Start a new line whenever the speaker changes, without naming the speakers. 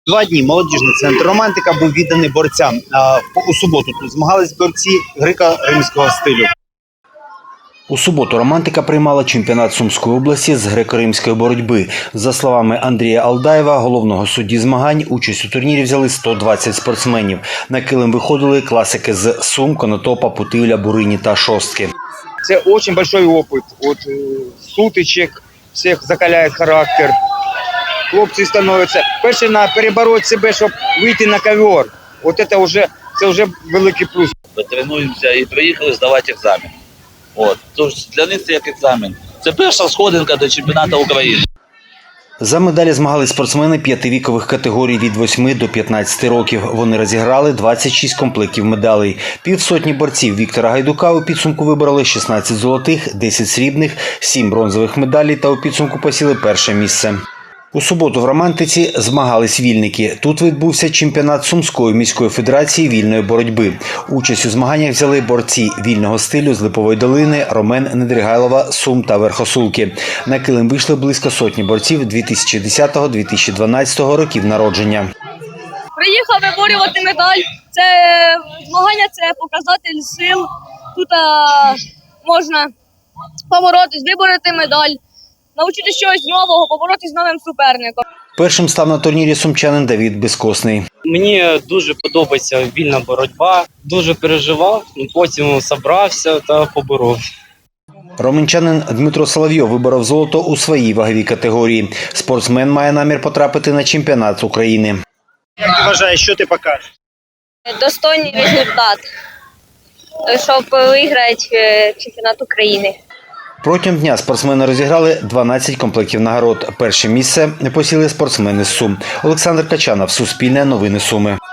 2 дні молодіжний центр «Романтика» був відданий борцям. У суботу тут змагались борці греко-римського стилю. У суботу «Романтика» приймала чемпіонат Сумської області з греко-римської боротьби. За словами Андрія Алдаєва, головного судді змагань, участь у турнірі взяли 120 спортсменів. На килим виходили класики з Сум, Конотопа, Путивля, Бурині та Шостки.
Це дуже великий опит. От сутичок, всіх закаляє характер. Хлопці становляться перші на перебороти себе, щоб вийти на ковер. От це вже великий плюс.
Ми тренуємося і приїхали здавати екзамен. Тож для них це як екзамен. Це перша сходинка до чемпіонату України.
За медалі змагались спортсмени 5 вікових категорій від 8 до 15 років. Вони розіграли 26 комплектів медалей. Півсотні борців Віктора Гайдука у підсумку вибороли 16 золотих, 10 срібних, 7 бронзових медалей та у підсумку посіли перше місце. У суботу в «Романтиці» змагались вільники. Тут відбувся чемпіонат Сумської міської федерації вільної боротьби. Участь у змаганнях взяли борці вільного стилю з Липової долини, Ромен, Недригайлова, Сум та Верхосулки. На килим вийшли близько сотні борців 2010-2012 років народження.
Приїхав виборювати медаль. Це змагання, це показатель сил. Тут можна поборотись, вибороти медаль. Навчитися чогось нового, поборотися з новим суперником.
Першим став на турнірі сумчанин Давид Безкосний.
Мені дуже подобається вільна боротьба. Дуже переживав, потім зібрався та поборов.
Романчанин Дмитро Соловйов виборов золото у своїй ваговій категорії. Спортсмен має намір потрапити на чемпіонат України. Як ти вважаєш, що ти покажеш?
Достойний результат, щоб виграти чемпіонат України.
Протягом дня спортсмени розіграли 12 комплектів нагород. Перше місце посіли спортсмени з Сум. Олександр Качанов, Суспільне новини Суми.